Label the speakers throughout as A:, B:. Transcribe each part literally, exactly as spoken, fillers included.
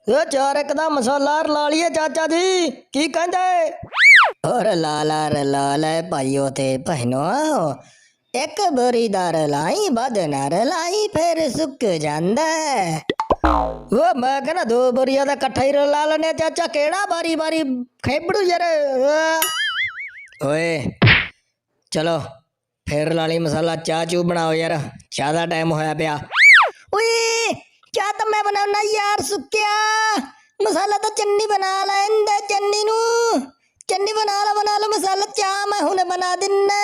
A: ਇਹ ਚਾਰ ਇੱਕ ਦਾ ਮਸਾਲਾ ਰਲਾ ਲਈਏ ਚਾਚਾ ਜੀ, ਕੀ ਕਹਿੰਦੇ? ਹੋਰ ਲਾਲਾ ਰਲਾ ਲੈ ਭਾਈਓ ਤੇ ਭੈਣੋ, ਇੱਕ ਬੋਰੀ ਦਾ ਰਲਾਈ ਵੱਧ ਨਾ ਰਲਾਈ ਫਿਰ ਸੁੱਕ ਜਾਂਦਾ। ਉਹ ਮੈਂ ਕਹਿੰਦਾ ਦੋ ਬੋਰੀਆਂ ਦਾ ਇਕੱਠਾ ਹੀ ਰਲਾ ਲੈਣੇ ਚਾਚਾ, ਕਿਹੜਾ ਬਾਰੀ ਬਾਰੀ ਖੇਬੜੂ ਯਾਰ। ਓਏ ਚਲੋ ਫਿਰ ਲਾ ਲਈ ਮਸਾਲਾ, ਚਾਹ ਚੂ ਬਣਾਓ ਯਾਰ, ਚਾਹ ਦਾ ਟਾਈਮ ਹੋਇਆ ਪਿਆ। ਓਏ ਚਾਹ ਤਾਂ ਮੈਂ ਬਣਾਉਣਾ ਯਾਰ, ਸੁੱਕਿਆ ਮਸਾਲਾ ਤਾਂ ਚੰਨੀ ਬਣਾ ਲੈਂਦਾ, ਚੰਨੀ ਨੂੰ ਚੰਨੀ ਬਣਾ ਲਾ ਬਣਾ ਲਾ ਮਸਾਲਾ, ਚਾਹ ਮੈਂ ਹੁਣੇ ਬਣਾ ਦਿੰਨਾ।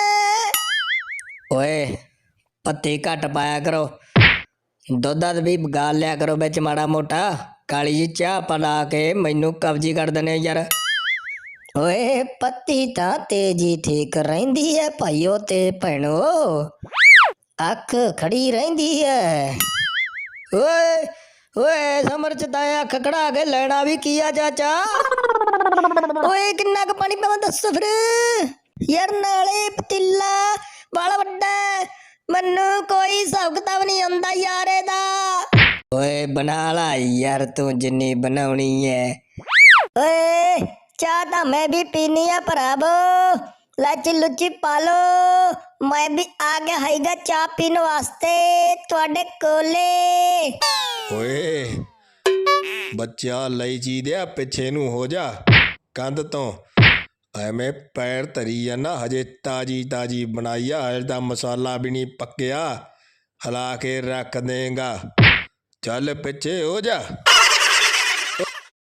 A: ਓਏ ਪੱਤੀ ਘੱਟ ਪਾਇਆ ਕਰੋ, ਦੁੱਧ ਵੀ ਗਾਲ ਲਿਆ ਕਰੋ ਵਿੱਚ ਮਾੜਾ ਮੋਟਾ, ਕਾਲੀ ਜੀ ਚਾਹ ਪਲਾ ਕੇ ਮੈਨੂੰ ਕਬਜੀ ਕਰ ਦਨੇ ਯਾਰ। ਓਏ ਪੱਤੀ ਤਾਂ ਤੇਜੀ ਠੀਕ ਰਹਿੰਦੀ ਹੈ ਭਾਈਓ ਤੇ ਭੈਣੋ, ਅੱਖ ਖੜੀ ਰਹਿੰਦੀ ਹੈ। ਓਏ ਓਏ ਸਮਰ ਚ ਤਾਂ ਅੱਖ ਖੜਾ ਕੇ ਲੈਣਾ ਵੀ ਕੀ ਆ ਚਾਚਾ? ਓਏ ਕਿੰਨਾ ਕੁ ਪਾਣੀ ਪਾਵਾਂ ਦੱਸੋ ਫਿਰ ਯਾਰ, ਨਾਲੇ ਪਤੀਲਾ ਬਾਲਾ ਵੱਡਾ, ਮੈਨੂੰ ਕੋਈ ਹਿਸਾਬ ਕਿਤਾਬ ਨਹੀਂ ਆਉਂਦਾ ਯਾਰ ਇਹਦਾ। ਓਏ ਬਣਾ ਲਾ ਯਾਰ ਤੂੰ ਜਿੰਨੀ ਬਣਾਉਣੀ ਹੈ। ਓਏ ਚਾਹ ਤਾਂ ਮੈਂ ਵੀ ਪੀਣੀ ਆ ਭਰਾਵੋ, ਲਾਚੀ ਲੁੱਚੀ ਪਾ ਲੋ, ਮੈਂ ਵੀ ਆ ਗਿਆ ਹੈਗਾ ਚਾਹ ਪੀਣ ਵਾਸਤੇ ਤੁਹਾਡੇ ਕੋਲੇ।
B: ਓਏ ਬੱਚਾ ਲਈ ਜੀ ਦਿਆ ਪਿੱਛੇ ਨੂੰ ਹੋ ਜਾ ਕੰਧ ਤੋਂ, ਐਵੇਂ ਪੈਰ ਧਰੀ ਜਾਂਦਾ, ਹਜੇ ਤਾਜੀ ਤਾਜੀ ਬਣਾਈ ਆ, ਹਜੇ ਤਾਂ ਮਸਾਲਾ ਵੀ ਨਹੀਂ ਪੱਕਿਆ, ਹਿਲਾ ਕੇ ਰੱਖ ਦੇਗਾ, ਚੱਲ ਪਿੱਛੇ ਹੋ ਜਾ।